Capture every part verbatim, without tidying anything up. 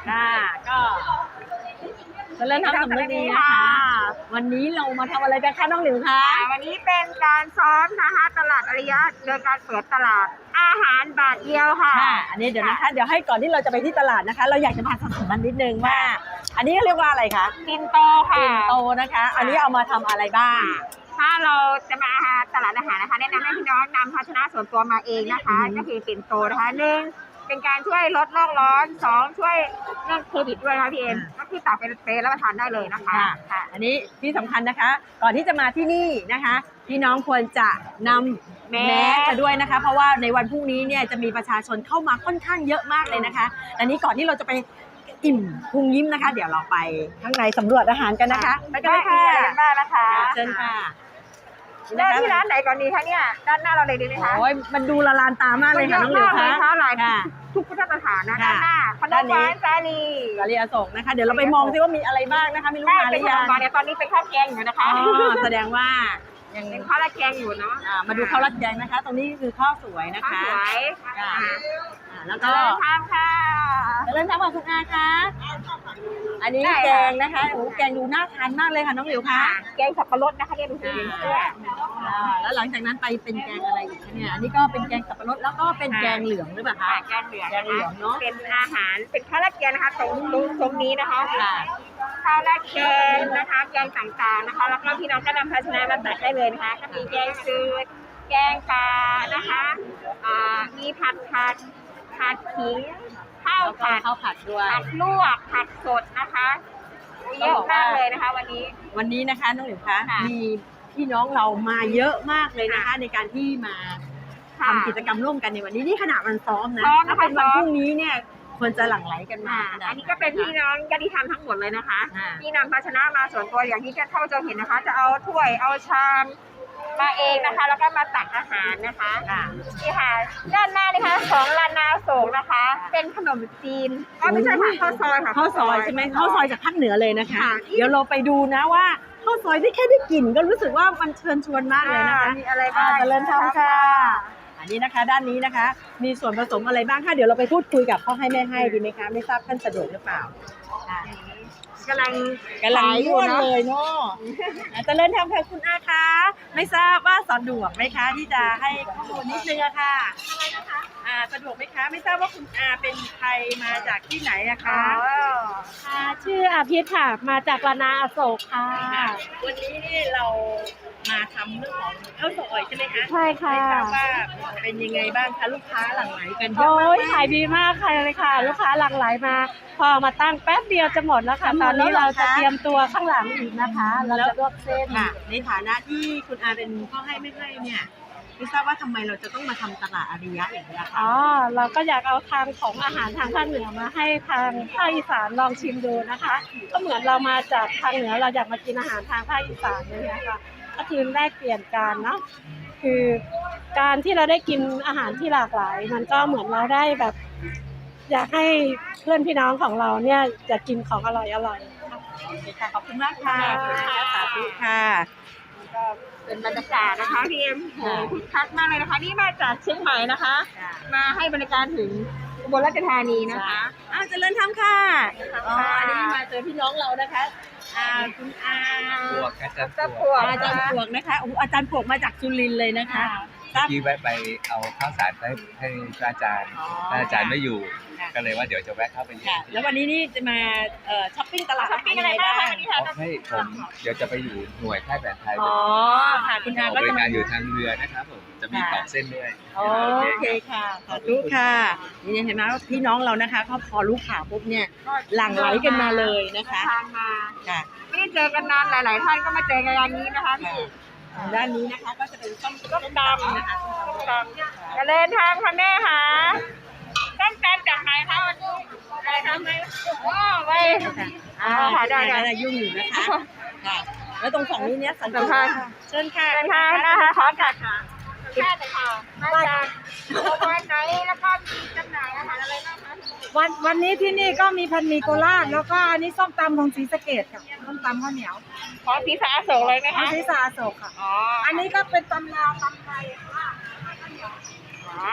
ค่ะก็จะเริ่มทำสำนึกดีนะคะวันนี้เรามาทำอะไรกันคะน้องหลิวคะวันนี้เป็นการซ้อมนะคะตลาดอริยะโดยการเปิดตลาดอาหารบาทเดียวค่ะค่ะอันนี้เดี๋ยวนะคะเดี๋ยวให้ก่อนที่เราจะไปที่ตลาดนะคะ เราอยากจะมาสอนมันนิดนึงว่า อันนี้เรียกว่าอะไรคะปิ่นโตค่ะปิ่นโตนะคะ อันนี้เอามาทำอะไรบ้างถ้าเราจะมาตลาดอาหารนะคะแนะนำให้พี่น้องนำภาชนะส่วนตัวมาเองนะคะก็คือปิ่นโตนะคะหนึ่งเป็นการช่วยลดโลกร้อนสองช่วยเรื่องโควิดด้วยนะคะพี่เอ็มก็คือตักเป็นเปรย์แล้วมาทานได้เลยนะคะค่ะอันนี้ที่สำคัญนะคะ ก่อนที่จะมาที่นี่นะคะพี่น้องควรจะนำแมสมาด้วยนะคะเพราะว่าในวันพรุ่งนี้เนี่ยจะมีประชาชนเข้ามาค่อนข้างเยอะมากเลยนะคะอันนี้ก่อนที่เราจะไปอิ่มพุงยิ้มนะคะ เดี๋ยวเราไปข้างในสำรวจอาหารกันนะคะไปกันเลยค่ะได้นะคะเชิญค่ะเริ่มที่ร้านไหนก่อนดีคะเนี่ยด้านหน้าเราเลยดีไหมคะโอ้ยมันดูละลานตามากเลยค่ะน้องหลิวคะหลายทุกพุทธสถานนะด้านหน้าขนมหวานสาลีสาลีอโศกนะคะเดี๋ยวเราไปมองซิว่ามีอะไรบ้างนะคะมีลูกค้าหรือยังตอนนี้ตอนนี้เป็นข้าวแกงอยู่นะคะแสดงว่ายังเป็นข้าวราดแกงอยู่เนาะมาดูข้าวราดแกงนะคะ ตรงนี้คือข้าวสวยนะคะสวยแล้วก็ทำค่ะเริ่มทำกับคุณอาคะอันนี้แกงนะคะโอ้แกงดูน่าทานมากเลยค่ะน้องหลิวคะแกงสับปะรดนะคะเนี่ยดูสิแล้วหลังจากนั้นไปเป็นแกงอะไรอีกคะเนี่ยอันนี้ก็เป็นแกงสับปะรดแล้วก็เป็นแกงเหลืองหรือเปล่าคะแกงเหลืองแกงเหลืองเนาะเป็นอาหารเป็นข้าวราดแกงนะคะตรงตรงตรงนี้นะคะข้าวราดแกงนะคะแกงต่างๆนะคะแล้วก็พี่น้องก็นำภาชนะมาตักได้เลยนะคะก็มีแกงจืดแกงปลานะคะมีผัดผัดผัดขิงข้าวผัดข้าวผัดด้วยผัดลวกผัดสดนะคะเยอะมากเลยนะคะวันนี้วันนี้นะคะน้องหลิวคะมีพี่น้องเรามาเยอะมากเลยนะคะในการที่มาทำกิจกรรมร่วมกันในวันนี้นี่ขณะวันซ้อมนะถ้าเป็นวันพรุ่งนี้เนี่ยควรจะหลั่งไหลกันมาอันนี้ก็เป็นพี่น้องญาติธรรมทั้งหมดเลยนะคะที่นำภาชนะมาส่วนตัวอย่างที่เข้าจะเห็นนะคะจะเอาถ้วยเอาชามมาเองนะคะแล้วก็มาตักอาหารนะคะนี่ค่ะด้านหน้านี่ค่ะของลานาโศกนะคะเป็นขนมจีนก็ไม่ใช่ค่ะข้าวซอยค่ะข้าวซอยใช่ไหมข้าวซอยจากภาคเหนือเลยนะคะเดี๋ยวเราไปดูนะว่าข้าวซอยที่แค่ได้กลิ่นก็รู้สึกว่ามันเชิญชวนมากเลยนะคะมีอะไรบ้างเจริญธรรมค่ะอันนี้นะคะด้านนี้นะคะมีส่วนผสมอะไรบ้างคะเดี๋ยวเราไปพูดคุยกับพ่อให้แม่ให้ดีไหมคะไม่ทราบท่านสะดวกหรือเปล่ากำลังกำลังยุ่งเลยเนาะจะเริ่มทำค่ะคุณอาคะไม่ทราบว่าสะดวกไหมคะที่จะให้ข้อมูลนิดนึงอะค่ะอ่าสะดวกไหมคะไม่ทราบว่าคุณอาเป็นใครมาจากที่ไหนอะคะค่ะชื่ออาภิษค่ะมาจากลานาอโศกค่ะวันนี้นี่เรามาทำเรื่องของข้าวซอยใช่ไหมคะใช่ค่ะไม่ทราบว่าเป็นยังไงบ้างคะลูกค้าหลั่งไหลกันเยอะโอ้ยขายดีมากค่ะเลยค่ะลูกค้าหลั่งไหลมาพอมาตั้งแป๊บเดียวจะหมดแล้วค่ะตอนนี้เราจะเตรียมตัวข้างหลังอีกนะคะเราจะลวกเส้นในฐานะที่คุณอาเป็นพ่อให้ไม่ให้เนี่ยไม่ทราบว่าทำไมเราจะต้องมาทำตลาดอาริยะอย่างนี้คะอ๋อเราก็อยากเอาทางของอาหารทางภาคเหนือมาให้ทางภาคอีสานลองชิมดูนะคะก็เหมือนเรามาจากทางเหนือเราอยากมากินอาหารทางภาคอีสานเลยนะคะก็คือแลกเปลี่ยนกันเนาะคือการที่เราได้กินอาหารที่หลากหลายมันก็เหมือนเราได้แบบอยากให้เพื่อนพี่น้องของเราเนี่ยจะกินของอร่อยอร่อยค่ะขอบคุณมากค่ะสาธุค่ะก็เป็นบรรยากาศนะคะพี่เอ็มโหคึกคักมากเลยนะคะนี่มาจากเชียงใหม่นะคะมาให้บริการถึงอุบลราชธานีนะคะอ้าวเจริญธรรมค่ะอ๋ออันนี้มาเจอพี่น้องเรานะคะอ่าคุณอาปวกอาจารย์ปวกอาจารย์ปวกนะคะโอ้อาจารย์ปวกมาจากจุลินเลยนะคะที่แวะไปเอาข้าวสารให้ให้อาจารย์อาจารย์ไม่อยู่ก็เลยว่าเดี๋ยวจะแวะเข้าไปอยู่แล้ววันนี้นี่จะมาช้อปปิ้งตลาดช้อปปิ้งอะไรบ้างวันนี้คะให้ผมเดี๋ยวจะไปอยู่หน่วยค่ายแผนไทยอ๋อค่ะคุณอาก็บริการอยู่ทางเรือนะครับผมจะมีตอกเส้นด้วยโอเคค่ะสาธุค่ะนี่เห็นไหมว่าพี่น้องเรานะคะเขาพอรู้ข่าวปุ๊บเนี่ยหลั่งไหลกันมาเลยนะคะทางมาค่ะไม่ได้เจอกันนานหลายๆท่านก็มาเจอกันอย่างนี้นะคะพี่ด้านนี้นะคะก็จะเป็นส้มส้มตำนะคะส้มตำจะเล่นทางค่ะแม่ค่ะส้มตำจากไหนคะวันนี้อะไรทำไหมว้าวไปอ่าค่ะได้ได้ยุ่งอยู่นะคะค่ะแล้วตรงฝั่งนี้เนี่ยสันติภาพเชิญค่ะเชิญค่ะนะคะขอจัดค่ะแค่เลยค่ะมาจากวันไหนแล้วก็มีจำหน่ายอาหารอะไรบ้างคะวันวันนี้ที่นี่ก็มีพันหมี่โคราชแล้วก็อันนี้ส้มตำของศรีสะเกษค่ะส้มตำข้าวเหนียวขอศีรษะอโศกเลยไหมคะศีรษะอโศกค่ะอ๋ออันนี้ก็เป็นตำลาวตำไทยค่ะอ๋อ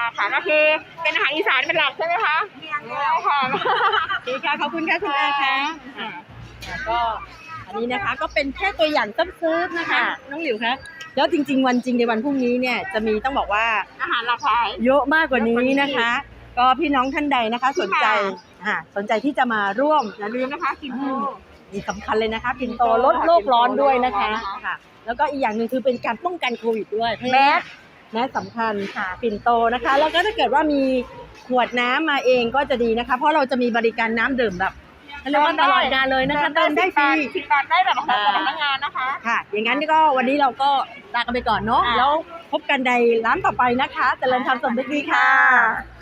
ค่ะก็คือเป็นอาหารอีสานเป็นหลักใช่ไหมคะค่ะดีค่ะขอบคุณค่ะคุณอาค่ะก็อันนี้นะคะก็เป็นแค่ตัวอย่างซ้ำๆนะคะน้องหลิวคะแล้วจริง ๆ วันจริงในวันพรุ่งนี้เนี่ยจะมีต้องบอกว่าอาหารหลากหลายเยอะมากกว่านี้นะคะ ก็พี่น้องท่านใดนะคะ สนใจอ่าสนใจที่จะมาร่วมอย่าลืมนะคะกินโตนี่สำคัญเลยนะคะปิ่นโตลดโลกร้อนด้วยนะคะค่ะ แล้วก็อีกอย่างหนึ่งคือเป็นการป้องกันโควิดด้วยแมสแมสสำคัญค่ะปิ่นโตนะคะ แล้วก็ถ้าเกิดว่ามีขวดน้ำมาเองก็จะดีนะคะ เพราะเราจะมีบริการน้ำดื่มแบบเรียกว่าตลอดกาลเลยนะคะเติมได้ฟรีสิบบาทได้แบบของพนักงานนะคะค่ะ อย่างนั้นก็วันนี้เราก็ลากันไปก่อนเนาะค่ะแล้วพบกันในร้านต่อไปนะคะเจริญธรรมสมฤทธิ์ดีค่ะ